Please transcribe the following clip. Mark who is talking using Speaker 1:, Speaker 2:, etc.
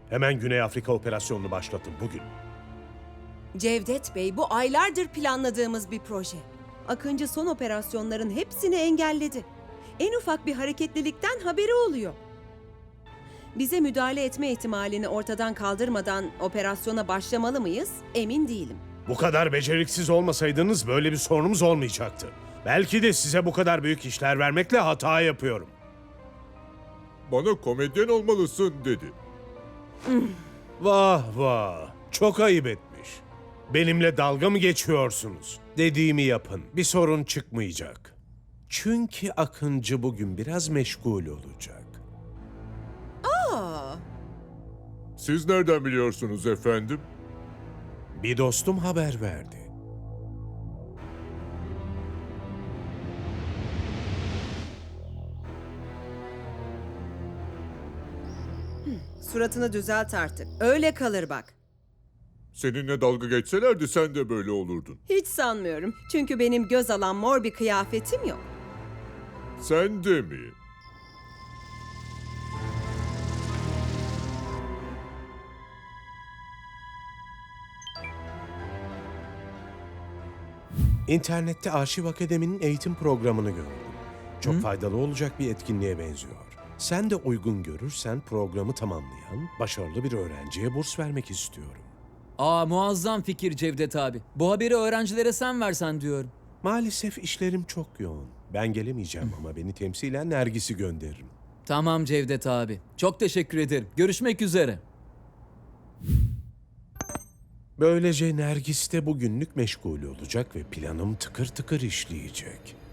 Speaker 1: Hemen Güney Afrika operasyonunu başlatın bugün.
Speaker 2: Cevdet Bey, bu aylardır planladığımız bir proje. Akıncı son operasyonların hepsini engelledi. En ufak bir hareketlilikten haberi oluyor. Bize müdahale etme ihtimalini ortadan kaldırmadan operasyona başlamalı mıyız? Emin değilim.
Speaker 1: Bu kadar beceriksiz olmasaydınız böyle bir sorunumuz olmayacaktı. Belki de size bu kadar büyük işler vermekle hata yapıyorum.
Speaker 3: Bana komedyen olmalısın dedi.
Speaker 1: Vah vah, çok ayıp etmiş. Benimle dalga mı geçiyorsunuz? Dediğimi yapın, bir sorun çıkmayacak. Çünkü Akıncı bugün biraz meşgul olacak.
Speaker 2: Aa,
Speaker 3: Siz nereden biliyorsunuz efendim?
Speaker 1: Bir dostum haber verdi.
Speaker 2: suratını düzelt artık. Öyle kalır bak.
Speaker 3: Seninle dalga geçselerdi sen de böyle olurdun.
Speaker 2: Hiç sanmıyorum. Çünkü benim göz alan mor bir kıyafetim yok.
Speaker 3: Sen de mi?
Speaker 1: İnternette Arşiv Akademi'nin eğitim programını gördüm. Çok faydalı olacak bir etkinliğe benziyor. Sen de uygun görürsen programı tamamlayan başarılı bir öğrenciye burs vermek istiyorum.
Speaker 4: Muazzam fikir Cevdet abi. Bu haberi öğrencilere sen versen diyorum.
Speaker 1: Maalesef işlerim çok yoğun. Ben gelemeyeceğim ama beni temsilen Nergis'i gönderirim.
Speaker 4: Tamam Cevdet abi. Çok teşekkür ederim. Görüşmek üzere.
Speaker 1: Böylece Nergis de bugünlük meşgul olacak ve planım tıkır tıkır işleyecek.